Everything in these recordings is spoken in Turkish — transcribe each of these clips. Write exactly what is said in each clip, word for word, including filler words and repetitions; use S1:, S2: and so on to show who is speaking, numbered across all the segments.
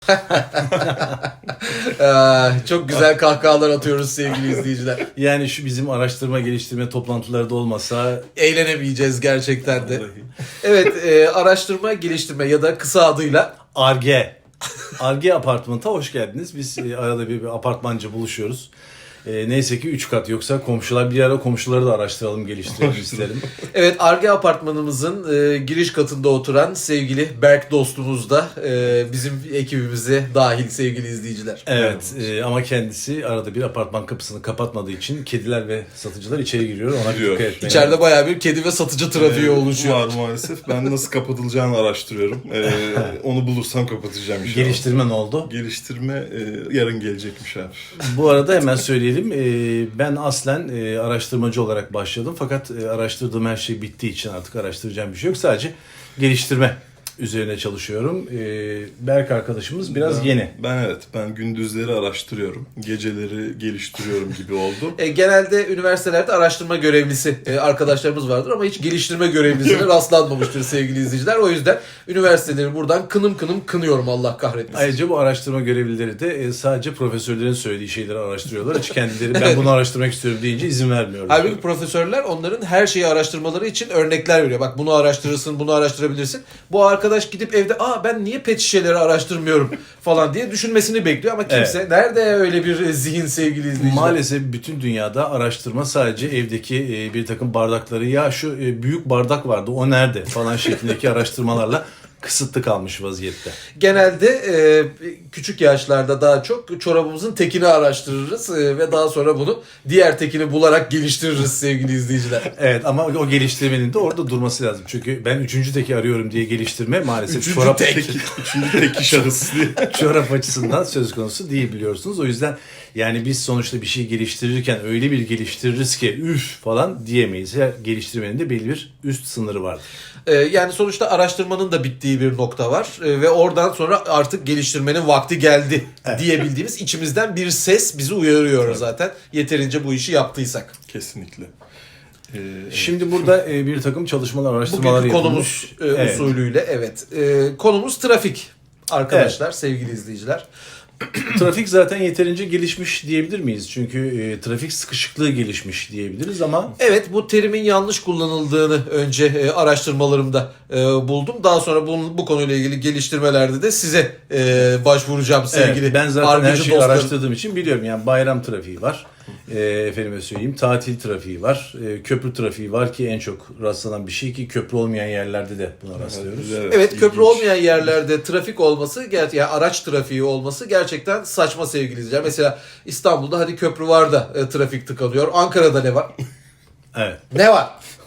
S1: Ee, çok güzel kahkahalar atıyoruz sevgili izleyiciler.
S2: Yani şu bizim araştırma geliştirme toplantıları da olmasa
S1: Eğlenemeyeceğiz gerçekten de. Evet, e, araştırma geliştirme ya da kısa adıyla
S2: Ar-Ge. Ar-Ge Apartmanı'na hoş geldiniz. Biz e, arada bir, bir apartmanca buluşuyoruz. E, neyse ki üç kat, yoksa komşular bir ara komşuları da araştıralım, geliştirelim isterim.
S1: Evet, Ar-Ge apartmanımızın e, giriş katında oturan sevgili Berk dostumuz da e, bizim ekibimize dahil sevgili izleyiciler.
S2: Evet e, ama kendisi arada bir apartman kapısını kapatmadığı için kediler ve satıcılar içeri giriyor. Ona bir
S3: Giriyor.
S2: dikkat etmeyin.
S1: İçeride bayağı bir kedi ve satıcı trafiği
S3: Ee,
S1: oluşuyor.
S3: Var maalesef. Ben nasıl kapatılacağını araştırıyorum. Ee, onu bulursam kapatacağım inşallah.
S2: Geliştirme ne oldu?
S3: Geliştirme e, yarın gelecekmiş abi.
S2: Bu arada hemen söyleyelim. E, ben aslen e, araştırmacı olarak başladım. Fakat e, araştırdığım her şey bittiği için artık araştıracağım bir şey yok. Sadece geliştirme üzerine çalışıyorum. E, Berk arkadaşımız biraz
S3: ben,
S2: yeni.
S3: Ben evet. Ben gündüzleri araştırıyorum. Geceleri geliştiriyorum gibi oldu.
S1: E, genelde üniversitelerde araştırma görevlisi e, arkadaşlarımız vardır ama hiç geliştirme görevlisine rastlanmamıştır sevgili izleyiciler. O yüzden üniversiteleri buradan kınım kınım kınıyorum, Allah kahretmesin.
S2: Ayrıca bu araştırma görevlileri de e, sadece profesörlerin söylediği şeyleri araştırıyorlar. Hiç kendileri ben bunu araştırmak istiyorum deyince izin vermiyorlar.
S1: Halbuki profesörler onların her şeyi araştırmaları için örnekler veriyor. Bak, bunu araştırırsın, bunu araştırabilirsin. Bu arkadaş gidip evde aa ben niye pet şişeleri araştırmıyorum falan diye düşünmesini bekliyor ama kimse
S2: Evet.
S1: nerede öyle bir zihin sevgili izleyiciler?
S2: Maalesef bütün dünyada araştırma sadece evdeki e, bir takım bardakları, ya şu e, büyük bardak vardı o nerede falan şeklindeki araştırmalarla kısıtlı kalmış vaziyette.
S1: Genelde e, küçük yaşlarda daha çok çorabımızın tekini araştırırız e, ve daha sonra bunu diğer tekini bularak geliştiririz sevgili izleyiciler.
S2: Evet, ama o geliştirmenin de orada durması lazım. Çünkü ben üçüncü teki arıyorum diye geliştirme maalesef
S1: Üçüncü
S2: çorap,
S1: tek.
S3: Üçüncü teki şahıs diye.
S2: çorap açısından söz konusu değil, biliyorsunuz. O yüzden yani biz sonuçta bir şey geliştirirken öyle bir geliştiririz ki üf falan diyemeyiz. Her geliştirmenin de belli bir üst sınırı vardır.
S1: E, yani sonuçta araştırmanın da bittiği bir nokta var e, ve oradan sonra artık geliştirmenin vakti geldi
S2: Evet.
S1: diyebildiğimiz içimizden bir ses bizi uyarıyor evet. Zaten yeterince bu işi yaptıysak.
S3: Kesinlikle. Ee,
S2: Şimdi burada e, bir takım çalışmalar, araştırmalar
S1: Bugünkü
S2: yapılmış.
S1: konumuz e,
S2: Evet.
S1: usulüyle evet. E, konumuz trafik arkadaşlar, evet. Sevgili izleyiciler.
S2: Trafik zaten yeterince gelişmiş diyebilir miyiz? Çünkü e, trafik sıkışıklığı gelişmiş diyebiliriz ama...
S1: Evet, bu terimin yanlış kullanıldığını önce e, araştırmalarımda e, buldum. Daha sonra bu, bu konuyla ilgili geliştirmelerde de size e, başvuracağım sevgili
S2: evet, ben zaten her
S1: argıcı
S2: şeyi
S1: dostlarım.
S2: araştırdığım için biliyorum. Yani bayram trafiği var. E, efendime söyleyeyim, tatil trafiği var. E, köprü trafiği var ki en çok rastlanan bir şey, ki köprü olmayan yerlerde de buna rastlıyoruz.
S3: Evet,
S1: Evet, köprü
S3: ilginç.
S1: olmayan yerlerde trafik olması, ger- yani araç trafiği olması gerçekten saçma sevgili izleyiciler. Mesela İstanbul'da hadi köprü var da e, trafik tıkanıyor. Ankara'da ne var?
S2: Evet.
S1: Ne var?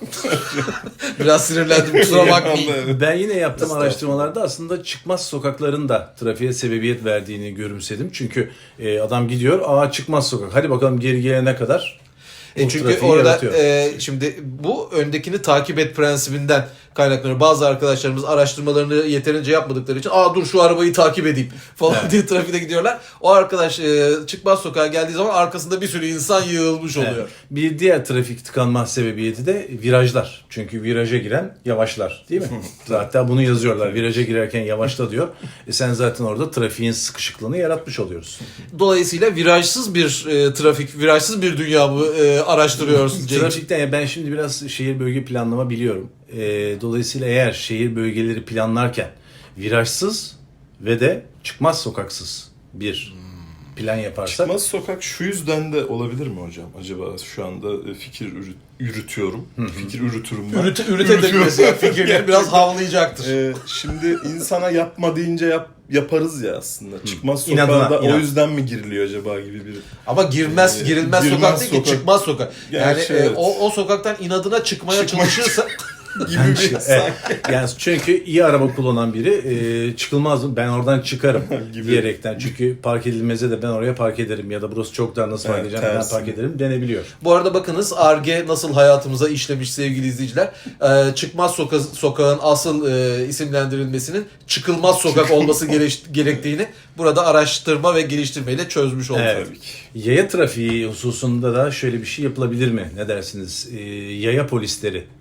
S1: Biraz sinirlendim, kusura bakmayın.
S2: Ben yine yaptığım
S1: Estağfurullah.
S2: araştırmalarda aslında çıkmaz sokakların da trafiğe sebebiyet verdiğini görümsedim. Çünkü e, adam gidiyor, aa çıkmaz sokak, hadi bakalım geri gelene kadar.
S1: E
S2: bu
S1: çünkü
S2: trafiği
S1: orada
S2: yaratıyor.
S1: e, şimdi bu öndekini takip et prensibinden kaynaklanıyor. Bazı arkadaşlarımız araştırmalarını yeterince yapmadıkları için aa dur şu arabayı takip edeyim falan
S2: Evet.
S1: diye trafikte gidiyorlar. O arkadaş e, çıkmaz sokağa geldiği zaman arkasında bir sürü insan yığılmış oluyor.
S2: Evet. Bir diğer trafik tıkanma sebebiyeti de virajlar. Çünkü viraja giren yavaşlar, değil mi? Hatta bunu yazıyorlar. Viraja girerken yavaşla diyor. E sen zaten orada trafiğin sıkışıklığını yaratmış oluyorsun.
S1: Dolayısıyla virajsız bir e, trafik, virajsız bir dünya mı e, araştırıyorsun Cenk?
S2: Trafikten yani ben şimdi biraz şehir bölge planlama biliyorum. E, dolayısıyla eğer şehir bölgeleri planlarken virajsız ve de çıkmaz sokaksız bir plan yaparsak...
S3: Çıkmaz sokak şu yüzden de olabilir mi hocam? Acaba şu anda fikir ürü- yürütüyorum. Fikir ürütürüm ben.
S1: Ürüte, üretebilmesi ya fikirleri biraz havlayacaktır.
S3: Ee, şimdi insana yapma deyince yap, yaparız ya aslında. Çıkmaz
S2: İnadına,
S3: sokağa da
S2: inat.
S3: o yüzden mi giriliyor acaba gibi bir...
S1: Ama girmez,
S3: Ee,
S1: girilmez
S3: girmez
S1: sokak değil ki,
S3: sokak.
S1: çıkmaz sokak. Yani
S3: Gerçi
S1: e,
S3: evet.
S1: o, o sokaktan inadına çıkmaya
S3: Çıkmak-
S1: çalışırsa
S3: gibi bir
S2: Evet. Yani çünkü iyi araba kullanan biri e, çıkılmaz mı? Ben oradan çıkarım
S3: Gibi.
S2: diyerekten. Çünkü park edilmeze de ben oraya park ederim ya da burası çok dar, nasıl park
S3: Evet,
S2: edeceğim, ben
S3: tersine.
S2: park ederim denebiliyor.
S1: Bu arada bakınız Ar-Ge nasıl hayatımıza işlemiş sevgili izleyiciler. Ee, çıkmaz soka- sokağın asıl e, isimlendirilmesinin çıkılmaz sokak olması gere- gerektiğini burada araştırma ve geliştirmeyle çözmüş olduk.
S2: Evet.
S3: Tabii ki.
S2: Yaya trafiği hususunda da şöyle bir şey yapılabilir mi? Ne dersiniz? E, yaya polisleri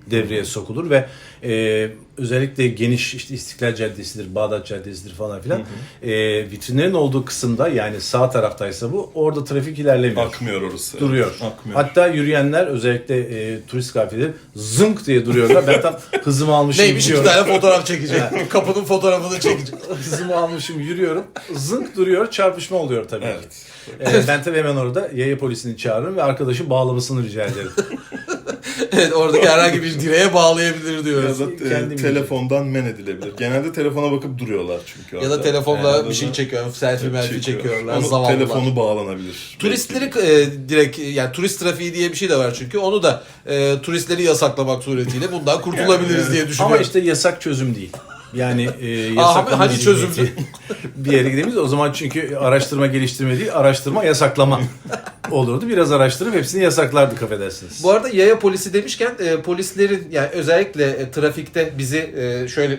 S2: devreye sokulur ve e, özellikle geniş işte İstiklal Caddesi'dir, Bağdat Caddesi'dir falan filan. E, vitrinlerin olduğu kısımda yani sağ taraftaysa bu orada trafik ilerlemiyor.
S3: Akmıyor orası.
S2: Duruyor.
S3: Akmıyor.
S2: Hatta yürüyenler özellikle e, turist kafileleri zınk diye duruyorlar. Ben tam hızımı almışım
S1: Neymiş iki
S2: gidiyorum.
S1: tane fotoğraf çekecek. Kapının fotoğrafını çekecek.
S2: Hızımı almışım yürüyorum. Zınk duruyor. Çarpışma oluyor tabii
S3: Evet.
S2: ki. E, ben tabii hemen orada yaya polisini çağırırım ve arkadaşı bağlamasını rica ederim.
S1: Evet, oradaki herhangi bir direğe bağlayabilir
S3: Ya
S1: diyoruz.
S3: da e,
S2: Kendim
S3: telefondan men edilebilir. Genelde telefona bakıp duruyorlar çünkü.
S1: Ya da
S3: orada.
S1: telefonla
S3: Yani
S1: bir şey
S3: da-
S1: çekiyor, selfie melfie
S3: çekiyor.
S1: çekiyorlar,
S3: Onu
S1: zavallılar.
S3: telefonu bağlanabilir.
S1: Turistleri e, direkt yani turist trafiği diye bir şey de var çünkü onu da e, turistleri yasaklamak suretiyle bundan kurtulabiliriz diye düşünüyorum.
S2: Ama işte yasak çözüm değil. Yani e,
S1: Aa,
S2: yasaklama
S1: hani
S2: zihniyeti
S1: çözümdü?
S2: bir yere gidemeyiz. O zaman çünkü araştırma geliştirme değil, araştırma yasaklama olurdu. Biraz araştırıp hepsini yasaklardık affedersiniz.
S1: Bu arada yaya polisi demişken e, polislerin yani özellikle e, trafikte bizi e, şöyle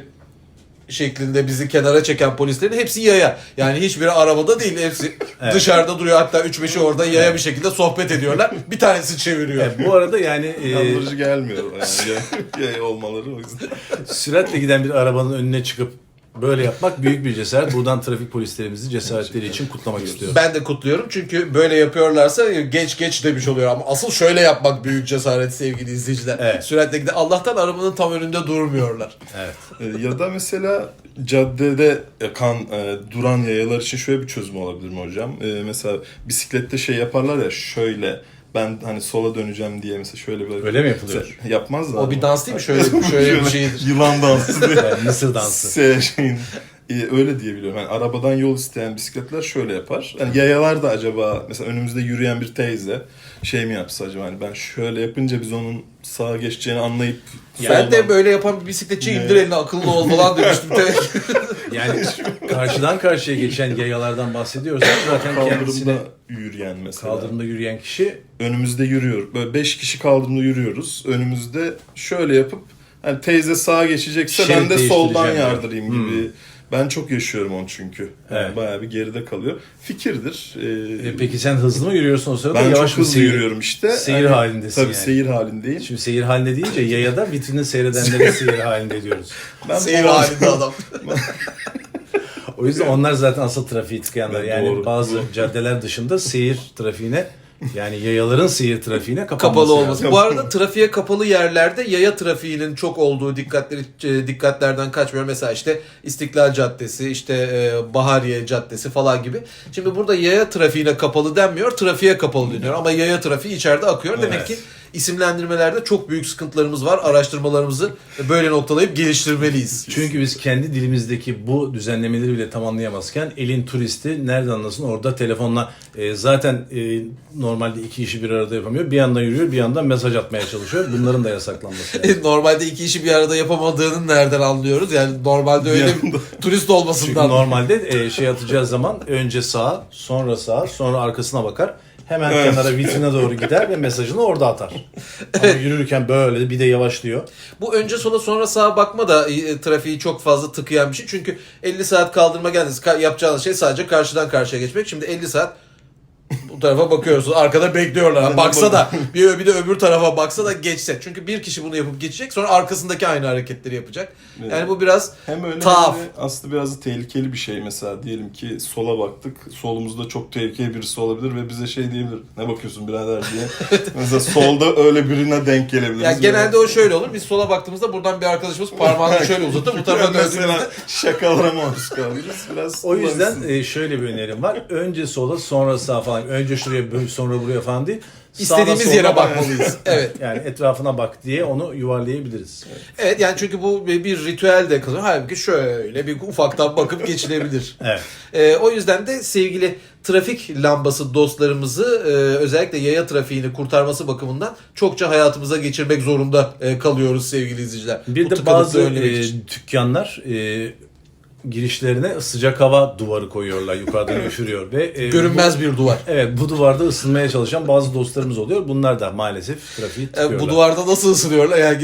S1: şeklinde bizi kenara çeken polislerin hepsi yaya. Yani hiçbiri arabada değil, hepsi
S2: Evet.
S1: dışarıda duruyor. Hatta üç beşi orada yaya bir şekilde sohbet ediyorlar. Bir tanesi çeviriyor.
S2: Evet, bu arada yani e,
S3: Kandırıcı gelmiyor yani yay- yay olmaları o yüzden.
S2: süratle giden bir arabanın önüne çıkıp böyle yapmak büyük bir cesaret. Buradan trafik polislerimizi cesaretleri için kutlamak istiyorum.
S1: Ben de kutluyorum çünkü böyle yapıyorlarsa geç geç demiş oluyor ama asıl şöyle yapmak büyük cesaret sevgili izleyiciler.
S2: Evet.
S1: Süratle giden Allah'tan arabanın tam önünde durmuyorlar.
S2: Evet.
S3: E, Ya da mesela caddede kan e, duran yayalar için şöyle bir çözüm olabilir mi hocam? E, mesela bisiklette şey yaparlar ya şöyle ben hani sola döneceğim diye mesela şöyle böyle.
S2: Öyle mi yapılıyor?
S3: Mesela yapmazlar
S1: O bir
S3: mı?
S1: dans değil mi? Şöyle şöyle bir şeydir.
S3: Yılan dansı diye.
S2: Yani Mısır dansı.
S3: Se- şeyin, e, öyle diye biliyorum. Yani arabadan yol isteyen bisikletler şöyle yapar. Yani yayalar da acaba mesela önümüzde yürüyen bir teyze şey mi yapsa acaba hani ben şöyle yapınca biz onun sağa geçeceğini anlayıp
S1: Ben de böyle yapan bir bisikletçi indir elini akıllı ol falan demiştim.
S2: Yani karşıdan karşıya geçen yayalardan bahsediyorsak zaten kendisine
S3: kaldırımda yürüyen mesela.
S2: kaldırımda yürüyen kişi
S3: Önümüzde yürüyor. Böyle beş kişi kaldırımda yürüyoruz. Önümüzde şöyle yapıp hani teyze sağa geçecekse
S2: Şerit
S3: ben de soldan
S2: değiştireceğim
S3: yardırayım gibi. Ben çok yaşıyorum onu çünkü. Yani
S2: Evet.
S3: bayağı bir geride kalıyor. Fikirdir. Ee,
S2: E peki sen hızlı mı yürüyorsun o sırada?
S3: ben
S2: Yavaş
S3: çok
S2: mı
S3: hızlı
S2: seyir-
S3: yürüyorum işte.
S2: Seyir
S3: Yani,
S2: halindesin
S3: tabii
S2: yani.
S3: seyir halindeyim.
S2: Şimdi seyir halinde deyince yayada vitrini seyredenlere seyir halinde diyoruz.
S3: Ben
S1: Seyir
S3: bu-
S1: halinde adam.
S2: O yüzden onlar zaten asıl trafiği tıkayanlar.
S3: Evet,
S2: Yani
S3: doğru.
S2: bazı caddeler dışında seyir trafiğine yani yayaların seyir trafiğine kapanması
S1: Kapalı
S2: lazım.
S1: olması. Bu arada trafiğe kapalı yerlerde yaya trafiğinin çok olduğu dikkatleri e, dikkatlerden kaçmıyor. Mesela işte İstiklal Caddesi, işte e, Bahariye Caddesi falan gibi. Şimdi burada yaya trafiğine kapalı denmiyor, trafiğe kapalı deniyor. Ama yaya trafiği içeride akıyor. Demek
S3: Evet.
S1: ki isimlendirmelerde çok büyük sıkıntılarımız var. Araştırmalarımızı böyle noktalayıp geliştirmeliyiz.
S2: Çünkü biz kendi dilimizdeki bu düzenlemeleri bile tamamlayamazken elin turisti nereden anlasın orada telefonla e, zaten e, normalde iki işi bir arada yapamıyor. Bir yandan yürüyor bir yandan mesaj atmaya çalışıyor. Bunların da yasaklanması lazım.
S1: Normalde iki işi bir arada yapamadığını nereden anlıyoruz? Yani normalde öyle bir turist
S2: Çünkü
S1: olmasından.
S2: normalde e, şey atacağı zaman önce sağa sonra sağa sonra arkasına bakar. Hemen
S3: Evet.
S2: kenara vitrine doğru gider ve mesajını orada atar. Ama yürürken böyle bir de yavaşlıyor.
S1: Bu önce sola sonra sağa bakma da e, trafiği çok fazla tıkayan bir şey. Çünkü elli saat kaldırma geldiniz. Ka- yapacağınız şey sadece karşıdan karşıya geçmek. Şimdi elli saat bu tarafa bakıyorsunuz. Arkada bekliyorlar. Baksa da bir, bir de öbür tarafa baksa da geçse. Çünkü bir kişi bunu yapıp geçecek. Sonra arkasındaki aynı hareketleri yapacak. Yani bu biraz
S3: Hem öyle
S1: Tuhaf.
S3: hem de aslında biraz da tehlikeli bir şey. Mesela diyelim ki sola baktık. Solumuzda çok tehlikeli birisi olabilir ve bize şey diyebilir. Ne bakıyorsun birader diye. Mesela solda öyle birine denk gelebiliriz.
S1: yani genelde o şöyle olur. Biz sola baktığımızda buradan bir arkadaşımız parmağını şöyle uzatır. Bu tarafa döndüğümüzde
S3: mesela şakalara maruz kalırız. Biraz
S2: O yüzden
S3: kullanırsın.
S2: e, şöyle bir önerim var. Önce sola sonra sağa falan. Önce şuraya böyle, sonra buraya falan değil. Sağına,
S1: istediğimiz
S2: soluna
S1: yere
S2: bak.
S1: bakmalıyız. Evet.
S2: Yani etrafına bak diye onu yuvarlayabiliriz.
S1: Evet yani çünkü bu bir bir ritüel de kazanıyor. Halbuki şöyle bir ufaktan bakıp geçilebilir.
S2: Evet.
S1: Ee, o yüzden de sevgili trafik lambası dostlarımızı e, özellikle yaya trafiğini kurtarması bakımından çokça hayatımıza geçirmek zorunda e, kalıyoruz sevgili izleyiciler.
S2: Bir
S1: Bu
S2: de
S1: tıkanıklığı
S2: bazı
S1: önlemek
S2: e,
S1: için.
S2: dükkanlar e, girişlerine sıcak hava duvarı koyuyorlar. Yukarıdan üşürüyor ve e,
S1: Görünmez bir duvar.
S2: bu, evet bu duvarda ısınmaya çalışan bazı dostlarımız oluyor. Bunlar da maalesef trafiği tıkıyorlar.
S1: E, bu duvarda nasıl ısınıyorlar? Yani gidip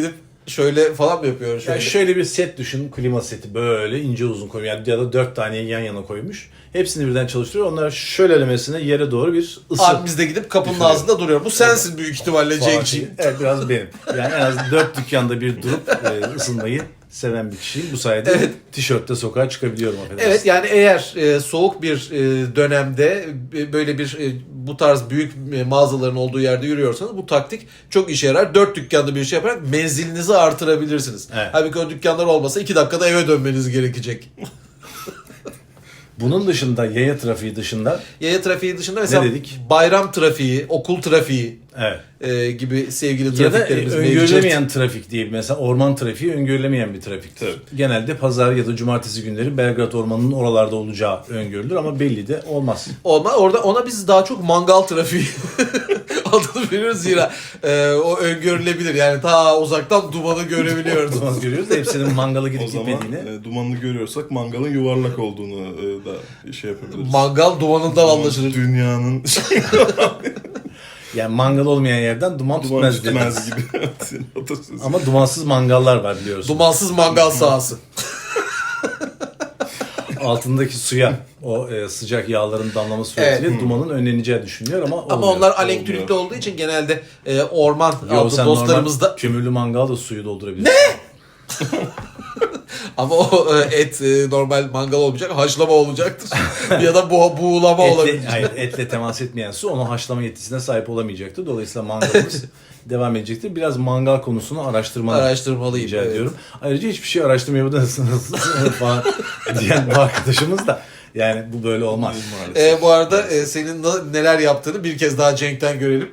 S1: Şöyle falan mı yapıyor? Şöyle.
S2: Yani şöyle bir set düşün, klima seti böyle ince uzun koymuş. Yani ya da dört tane yan yana koymuş. Hepsini birden çalıştırıyor. Onlar şöylelemesine yere doğru bir ısı.
S1: Abi biz de gidip kapının
S2: Üfürüyor.
S1: ağzında duruyor. Bu sensin büyük ihtimalle Cenk'ciğim.
S2: Evet, biraz benim. Yani en az dört dükkanda bir durup e, ısınmayı seven bir kişiyim. Bu sayede
S1: Evet.
S2: tişörtle sokağa çıkabiliyorum. affedersin.
S1: Evet, yani eğer e, soğuk bir e, dönemde e, böyle bir e, bu tarz büyük e, mağazaların olduğu yerde yürüyorsanız bu taktik çok işe yarar. Dört dükkanda bir şey yaparak menzilinizi artırabilirsiniz.
S2: Evet.
S1: Halbuki o dükkanlar olmasa iki dakikada eve dönmeniz gerekecek.
S2: Bunun dışında, yaya trafiği dışında
S1: Yaya trafiği dışında mesela
S2: dedik?
S1: bayram trafiği, okul trafiği
S2: evet.
S1: e, gibi sevgili
S2: Ya da e,
S1: trafiklerimiz mevcut.
S2: öngörülemeyen trafik diye mesela orman trafiği öngörülemeyen bir trafiktir.
S3: Tabii.
S2: Genelde pazar ya da cumartesi günleri Belgrad Ormanı'nın oralarda olacağı öngörülür ama belli de olmaz.
S1: Olma, orada ona biz daha çok mangal trafiği adını veriyoruz zira e, o öngörülebilir. Yani ta uzaktan dumanı görebiliyoruz.
S2: Duman görüyoruz da hepsinin mangala
S3: O
S2: gidip
S3: zaman
S2: gitmediğini.
S3: e, dumanını görüyorsak mangalın yuvarlak olduğunu e, da şey yapabiliriz.
S1: Mangal dumanından
S3: Duman
S1: anlaşılır.
S3: Dünyanın
S2: Yani mangal olmayan yerden duman,
S3: duman
S2: tutmaz,
S3: tutmaz
S2: dedi.
S3: gibi. Atasözü.
S2: Ama dumansız mangallar var biliyorsun.
S1: Dumansız mangal sahası.
S2: Altındaki suya o e, sıcak yağların damlaması suretiyle
S1: Evet.
S2: dumanın önleneceği düşünülüyor ama
S1: Ama
S2: olmuyor.
S1: onlar
S3: olmuyor.
S1: elektrikli olduğu için genelde e, orman
S2: Yo,
S1: adlı
S2: sen
S1: dostlarımızda
S2: normal kömürlü mangal da suyu doldurabilirsin.
S1: ama o e, et e, normal mangal olmayacak, haşlama olacaktır. ya da bu buğulama
S2: Etle,
S1: olabilir.
S2: hayır, etle temas etmeyen su onun haşlama yetisine sahip olamayacaktır. Dolayısıyla mangalımız devam edecektir. Biraz mangal konusunu araştırmanı
S1: Araştırmalıyım,
S2: rica
S1: evet.
S2: ediyorum. Ayrıca hiçbir şey araştırmayabilirsiniz falan diyen bu arkadaşımız da yani bu böyle olmaz.
S3: Maalesef.
S1: E, bu arada e, senin na- neler yaptığını bir kez daha Cenk'ten görelim.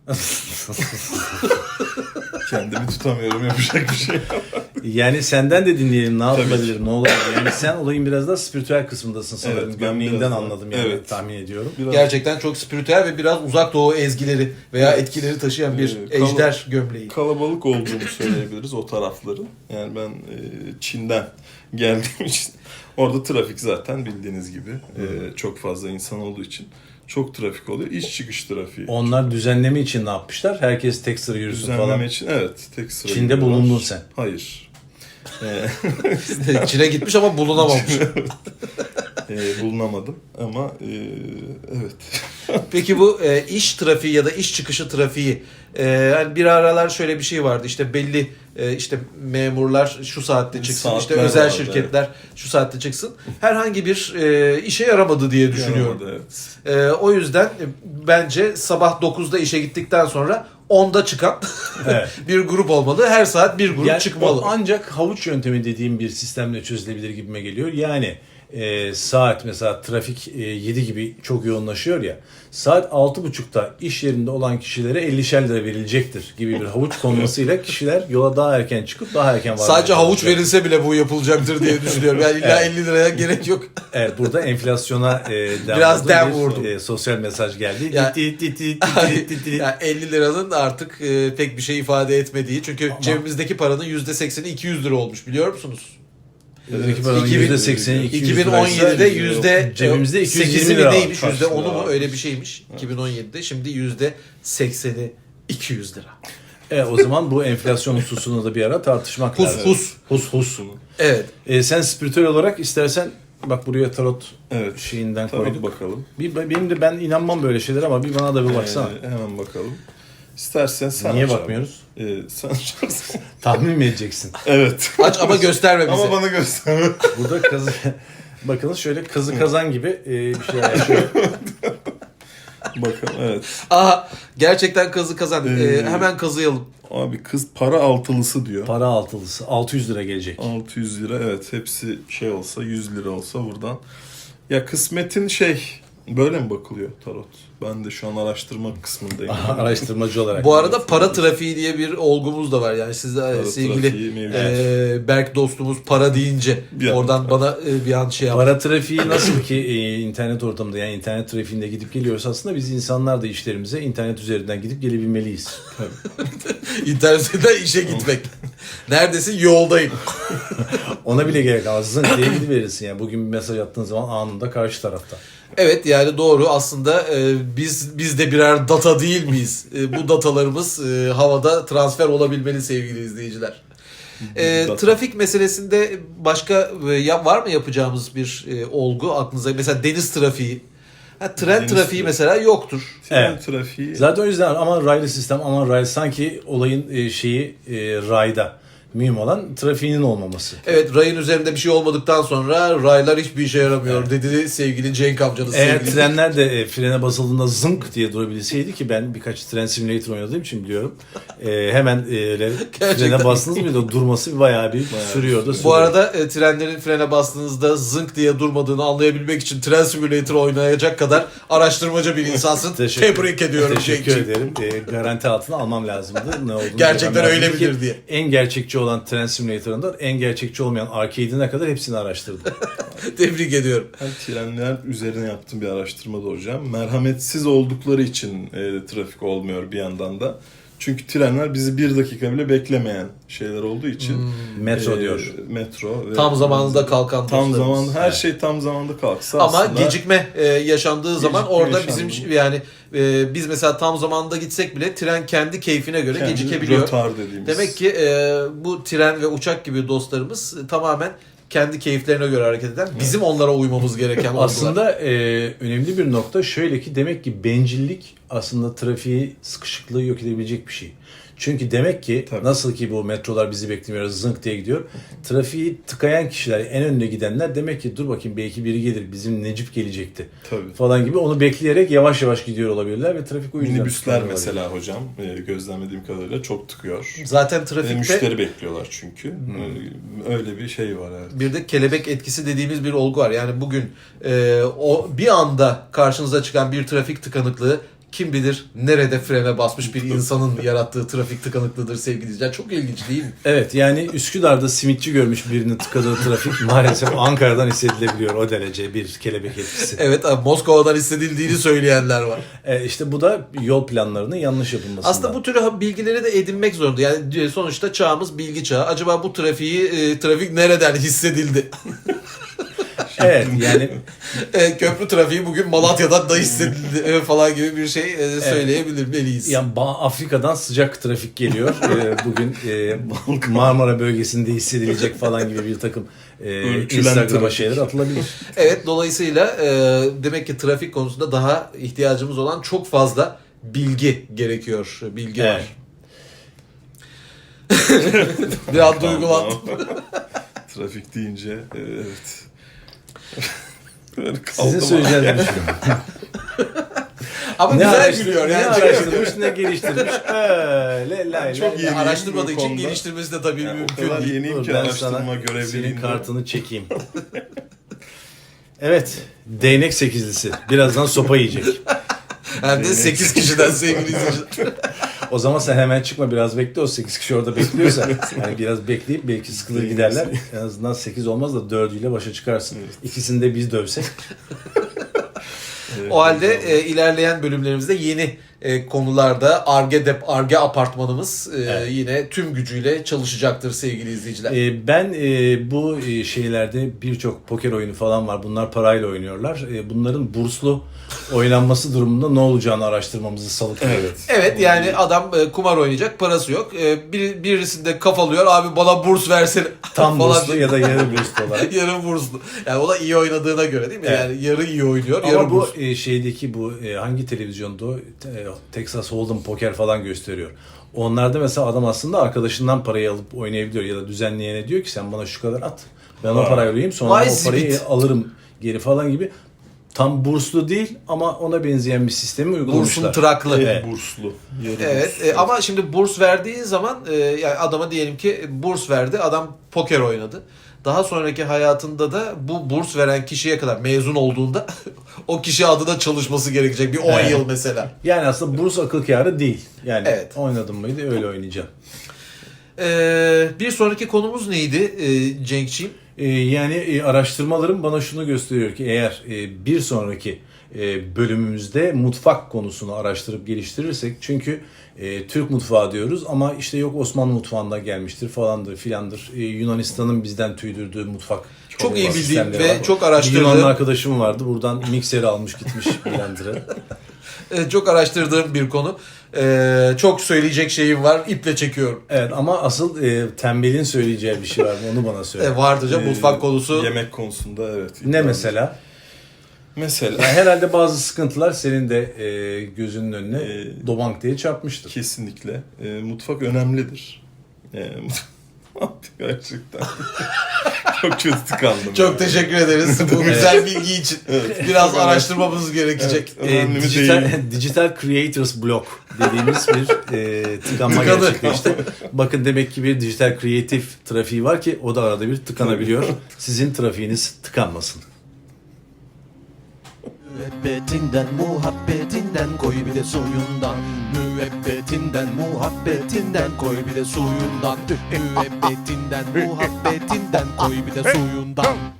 S3: Kendimi tutamıyorum, yapacak bir şey yok.
S2: Yani senden de dinleyelim ne
S3: Tabii
S2: yapılabilir, ne olabilir. Yani sen olayın biraz daha spiritüel kısmındasın sanırım.
S3: Evet, ben
S2: Gömleğinden
S3: biraz daha-
S2: anladım yani
S3: evet.
S2: tahmin ediyorum.
S3: Biraz
S1: Gerçekten çok spiritüel ve biraz uzak doğu ezgileri veya etkileri taşıyan bir
S3: Ee, kal-
S1: ejder gömleği.
S3: kalabalık olduğunu söyleyebiliriz o tarafların. Yani ben e, Çin'den geldiğim için orada trafik zaten bildiğiniz gibi e, çok fazla insan olduğu için çok trafik oluyor. İş çıkış trafiği.
S2: Onlar düzenleme için ne yapmışlar? Herkes tek sıra yürüsün
S3: Düzenleme
S2: falan.
S3: için evet tek sıra.
S2: Çin'de
S3: gidiyorlar.
S2: bulundun sen.
S3: Hayır. Ee,
S1: Çin'e gitmiş ama bulunamamış.
S3: e, bulunamadım ama e, evet.
S1: Peki bu e, iş trafiği ya da iş çıkışı trafiği e, yani bir aralar şöyle bir şey vardı işte belli e, işte memurlar şu saatte çıksın
S3: Saatler
S1: işte özel
S3: vardı,
S1: şirketler şu saatte çıksın herhangi bir e, işe yaramadı diye düşünüyorum.
S3: Yaramadı, evet.
S1: E, o yüzden e, bence sabah dokuzda işe gittikten sonra onda çıkan
S2: Evet.
S1: bir grup olmalı. Her saat bir grup
S2: Yani
S1: çıkmalı.
S2: o ancak havuç yöntemi dediğim bir sistemle çözülebilir gibime geliyor. Yani e, saat mesela trafik e, yedi gibi çok yoğunlaşıyor ya. Saat altı buçukta iş yerinde olan kişilere ellişer lira verilecektir gibi bir havuç konmasıyla kişiler yola daha erken çıkıp daha erken varmaya
S1: Sadece havuç
S2: çalışacak.
S1: verilse bile bu yapılacaktır diye düşünüyorum. Yani illa
S2: Evet.
S1: elli liraya gerek yok.
S2: Evet, burada enflasyona e, dem
S1: Biraz
S2: vurdum.
S1: dem
S2: Bir,
S1: vurdum.
S2: e, sosyal mesaj geldi.
S1: Ya-
S2: Dit, dit, dit, dit, dit, dit, dit.
S1: yani elli liranın artık e, pek bir şey ifade etmediği. Çünkü
S2: Ama-
S1: cebimizdeki paranın yüzde sekseni iki yüz lira olmuş biliyor musunuz?
S2: Bizdeki paranın
S1: iki bin-
S2: yüzde sekseni iki yüz
S1: iki bin on yedide
S2: liraysa
S1: yüzde
S2: cebimizde iki yüz yirmi
S1: sekizi
S2: lira var.
S1: neymiş? Yüzde
S3: Kaç
S1: onu
S3: lira
S1: mu?
S3: varmış?
S1: Öyle bir şeymiş. iki bin on yedide şimdi yüzde sekseni iki yüz lira.
S2: E, o zaman bu enflasyon hususunu da bir ara tartışmak
S1: Hus
S2: lazım.
S1: hus.
S2: Hus hus.
S1: Evet.
S2: E, sen spiritüel olarak istersen bak buraya tarot
S3: Evet.
S2: şeyinden
S3: Tabii
S2: koyduk.
S3: bakalım.
S2: Bir, benim de ben inanmam böyle şeyler ama bir bana da bir baksana.
S3: Ee, hemen bakalım. İstersen sen
S2: Niye
S3: aç abi.
S2: bakmıyoruz?
S3: Ee, sen açarsın.
S2: Tahmin mi edeceksin?
S3: Evet.
S1: Aç ama gösterme bize.
S3: Ama bana göster.
S2: Burada kazı bakınız şöyle kazı kazan gibi e, bir şey var. Şöyle,
S3: Bakalım evet.
S1: Aha gerçekten kazı kazan. Ee,
S3: Ee,
S1: hemen kazıyalım.
S3: Abi kız para altılısı diyor.
S2: para altılısı altı yüz lira gelecek.
S3: altı yüz lira evet hepsi şey olsa yüz lira olsa buradan. Ya kısmetin şey böyle mi bakılıyor tarot? Ben de şu an araştırma kısmındayım.
S2: Araştırmacı olarak.
S1: Bu arada para trafiği diye bir olgumuz da var. Yani siz de
S3: Para
S1: sevgili
S3: trafiği mevcut.
S1: e, Berk dostumuz para deyince
S3: Bir an-
S1: oradan bana e, bir an şey yaptı.
S2: Para trafiği nasıl ki e, internet ortamında yani internet trafiğinde gidip geliyoruz aslında biz insanlar da işlerimize internet üzerinden gidip gelebilmeliyiz.
S1: İnternette işe gitmek. Neredesin? Yoldayım.
S2: Ona bile gerek kalmaz. Zınk diye gidiverirsin yani. Bugün bir mesaj attığın zaman anında karşı tarafta.
S1: Evet yani doğru aslında e, biz biz de birer data değil miyiz? E, bu datalarımız e, havada transfer olabilmeli sevgili izleyiciler. E,
S3: Data.
S1: trafik meselesinde başka e, ya, var mı yapacağımız bir e, olgu aklınıza? Mesela deniz trafiği. Ha, tren
S3: Deniz
S1: trafiği
S3: trafiği.
S1: mesela yoktur.
S3: Tren
S2: Evet.
S3: trafiği.
S2: Zaten o yüzden aman raylı sistem, aman raylı, sanki olayın e, şeyi e, rayda. Mühim olan trafiğinin olmaması.
S1: Evet, rayın üzerinde bir şey olmadıktan sonra raylar hiçbir işe yaramıyor dedi sevgili Cenk amcanız.
S2: Eğer
S1: sevgili.
S2: trenler de e, frene basıldığında zınk diye durabilseydi, ki ben birkaç tren simülatör oynadığım için biliyorum. E, hemen e, öyle frene bastınız mı da durması bayağı bir sürüyor da sürüyor.
S1: Bu arada e, trenlerin frene bastığınızda zınk diye durmadığını anlayabilmek için tren simülatörü oynayacak kadar araştırmacı bir insansın.
S2: Teşekkür-
S1: Tebrik ediyorum
S2: Teşekkür
S1: Cenk'ciğim.
S2: ederim. E, garanti altına almam lazımdı. Ne olduğunu
S1: Gerçekten
S2: görmem
S1: öyle
S2: lazımdı ki
S1: midir diye.
S2: En gerçekçi olan tren simülatöründen en gerçekçi olmayan arcade'ine kadar hepsini araştırdım.
S1: Tebrik ediyorum.
S3: Ben trenler üzerine yaptığım bir araştırmada hocam. Merhametsiz oldukları için e, trafik olmuyor bir yandan da. Çünkü trenler bizi bir dakika bile beklemeyen şeyler olduğu için.
S2: Metro
S3: e,
S2: diyor.
S3: Metro. ve-
S1: Tam zamanında kalkan
S3: Tam
S1: dostlarımız.
S3: zamanında, her
S2: Evet.
S3: şey tam zamanda kalksa
S1: Ama
S3: aslında...
S1: gecikme e, yaşandığı zaman
S3: Gecikme
S1: orada
S3: yaşandı.
S1: bizim yani e, biz mesela tam zamanında gitsek bile tren kendi keyfine göre
S3: kendi
S1: gecikebiliyor.
S3: rötar dediğimiz.
S1: Demek ki e, bu tren ve uçak gibi dostlarımız e, tamamen kendi keyiflerine göre hareket eden, bizim onlara uymamız gereken oldular.
S2: Aslında e, önemli bir nokta şöyle ki, demek ki bencillik aslında trafiği, sıkışıklığı yok edebilecek bir şey. Çünkü demek ki
S3: Tabii.
S2: nasıl ki bu metrolar bizi beklemiyor, zınk diye gidiyor. Trafiği tıkayan kişiler, en önüne gidenler demek ki dur bakayım belki biri gelir, bizim Necip gelecekti
S3: Tabii.
S2: falan gibi, onu bekleyerek yavaş yavaş gidiyor olabilirler ve trafik o yüzden
S3: Minibüsler
S2: tıkanıyor
S3: mesela hocam e, gözlemlediğim kadarıyla çok tıkıyor.
S1: Zaten
S3: Ve
S1: trafikte
S3: müşteri bekliyorlar çünkü. E, Öyle bir şey var evet.
S1: bir de kelebek etkisi dediğimiz bir olgu var. Yani bugün e, o bir anda karşınıza çıkan bir trafik tıkanıklığı kim bilir nerede frene basmış bir insanın yarattığı trafik tıkanıklığıdır sevgili izleyiciler. Çok ilginç değil mi?
S2: Evet, yani Üsküdar'da simitçi görmüş birinin tıkadığı trafik maalesef Ankara'dan hissedilebiliyor, o derece bir kelebek etkisi.
S1: Evet, abi, Moskova'dan hissedildiğini söyleyenler var.
S2: E, işte bu da yol planlarının yanlış yapılmasından.
S1: Aslında bu tür bilgileri de edinmek zorunda. Yani sonuçta çağımız bilgi çağı. Acaba bu trafiği e, trafik nereden hissedildi?
S2: Evet, yani
S1: e, köprü trafiği bugün Malatya'dan da hissedildi e, falan gibi bir şey e, söyleyebilmeliyiz.
S2: yani Ba- Afrika'dan sıcak trafik geliyor. E, bugün e, Marmara bölgesinde hissedilecek falan gibi bir takım e,
S3: Ölçülen
S2: Instagram'a
S3: trafik.
S2: şeyler atılabilir.
S1: Evet, dolayısıyla e, demek ki trafik konusunda daha ihtiyacımız olan çok fazla bilgi gerekiyor. Bilgi var. Biraz duygulandım.
S3: Trafik deyince e, evet. Böyle
S2: Sizin
S3: kaldım.
S2: söyleyeceğiniz bir şey.
S1: Ama
S2: Ne,
S1: güzel
S2: araştır-
S1: gülüyor
S2: ne
S1: yani.
S2: araştırmış ne geliştirmiş. Öyle lay
S3: Çok
S2: lay
S3: iyi.
S2: lay.
S1: Araştırmadığı için
S3: konuda.
S1: geliştirmesi de tabii
S3: Yani o
S1: mümkün
S3: kadar
S1: değil.
S3: yeniyim
S2: Dur,
S3: ki
S2: ben
S3: araştırma
S2: sana senin
S3: görevliliğinde.
S2: kartını çekeyim. Evet. Değnek sekizlisi. Birazdan sopa yiyecek.
S1: Hem de sekiz kişiden sevgili izleyiciler.
S2: O zaman sen hemen çıkma, biraz bekle, o sekiz kişi orada bekliyorsa. Yani biraz bekleyip belki sıkılır giderler. En azından sekiz olmaz da dördüyle başa çıkarsın. İkisini de biz dövsek.
S3: Evet,
S1: O halde
S3: güzel.
S1: e, ilerleyen bölümlerimizde yeni e, konularda Ar-Ge dep Ar-Ge apartmanımız e,
S2: Evet.
S1: yine tüm gücüyle çalışacaktır sevgili izleyiciler.
S2: Ee, ben e, bu e, şeylerde birçok poker oyunu falan var. Bunlar parayla oynuyorlar. E, bunların burslu oynanması durumunda ne olacağını araştırmamızı salıklıyor.
S3: Evet.
S1: Evet, yani adam e, kumar oynayacak, parası yok. E, bir, birisinde kafalıyor, abi bana burs versene
S2: Tam
S1: falan
S2: burslu
S1: diye.
S2: ya da yarı burslu olarak.
S1: Yarı burslu. Yani o da iyi oynadığına göre değil mi?
S2: Evet.
S1: Yani yarı iyi oynuyor, yarı
S2: Ama bu
S1: burslu.
S2: e, şeydeki bu e, hangi televizyonda o? Te- Texas Hold'em poker falan gösteriyor. Onlarda mesela adam aslında arkadaşından parayı alıp oynayabiliyor ya da düzenleyene diyor ki sen bana şu kadar at. Ben o
S3: Vay.
S2: parayı alayım, sonra
S1: Vay
S2: o parayı
S1: zibit.
S2: alırım geri falan gibi. Tam burslu değil ama ona benzeyen bir sistemi uygulamışlar.
S1: Bursun tıraklı.
S3: Evet. Burslu. Yarı
S1: Evet
S3: burslu.
S1: e, ama şimdi burs verdiği zaman e, yani adama diyelim ki burs verdi, adam poker oynadı. Daha sonraki hayatında da bu burs veren kişiye kadar mezun olduğunda o kişi adına çalışması gerekecek bir on
S2: Evet.
S1: yıl mesela.
S2: Yani aslında burs akıl kârı değil. Yani
S1: Evet.
S2: oynadın mıydı öyle oynayacaksın.
S1: Ee, bir sonraki konumuz neydi e, Cenk'ciğim?
S2: Ee, yani e, araştırmalarım bana şunu gösteriyor ki eğer e, bir sonraki e, bölümümüzde mutfak konusunu araştırıp geliştirirsek, çünkü e, Türk mutfağı diyoruz ama işte yok Osmanlı mutfağından gelmiştir falandır filandır. E, Yunanistan'ın bizden tüydürdüğü mutfak
S1: Çok iyi bildiğim
S2: sistemleri
S1: ve
S2: var.
S1: çok
S2: Bir
S1: araştırdığım.
S2: Yunanlı arkadaşım vardı, buradan mikseri almış gitmiş blender'ı.
S1: E, çok araştırdığım bir konu. E, çok söyleyecek şeyim var. İple çekiyorum.
S2: Evet ama asıl e, tembelin söyleyeceği bir şey var mı? Onu bana söyle.
S1: E, vardır canım,
S3: Ee,
S1: mutfak konusu.
S3: Yemek konusunda evet.
S2: Ne
S3: Yani
S2: mesela?
S3: Mesela
S2: Yani herhalde bazı sıkıntılar senin de e, gözünün önüne
S3: Ee,
S2: dobank diye çarpmıştır.
S3: kesinlikle e, mutfak önemlidir. E, gerçekten. Çok kötü tıkandım.
S1: Çok
S3: yani.
S1: teşekkür ederiz bu güzel bilgi için.
S3: Evet.
S1: Biraz
S3: Çok önemli.
S1: araştırmamız gerekecek.
S3: Evet.
S2: E,
S3: Önemli mi
S2: dijital,
S3: değil?
S2: dijital Creators Block dediğimiz bir e, tıkanma
S1: Tıkanı.
S2: gerçekleşti. Bakın demek ki bir dijital kreatif trafiği var ki o da arada bir tıkanabiliyor. Sizin trafiğiniz tıkanmasın.
S4: Müebbetinden muhabbetinden koy bir de suyundan. Müebbetinden muhabbetinden koy bir de suyundan. Müebbetinden muhabbetinden koy bir de suyundan.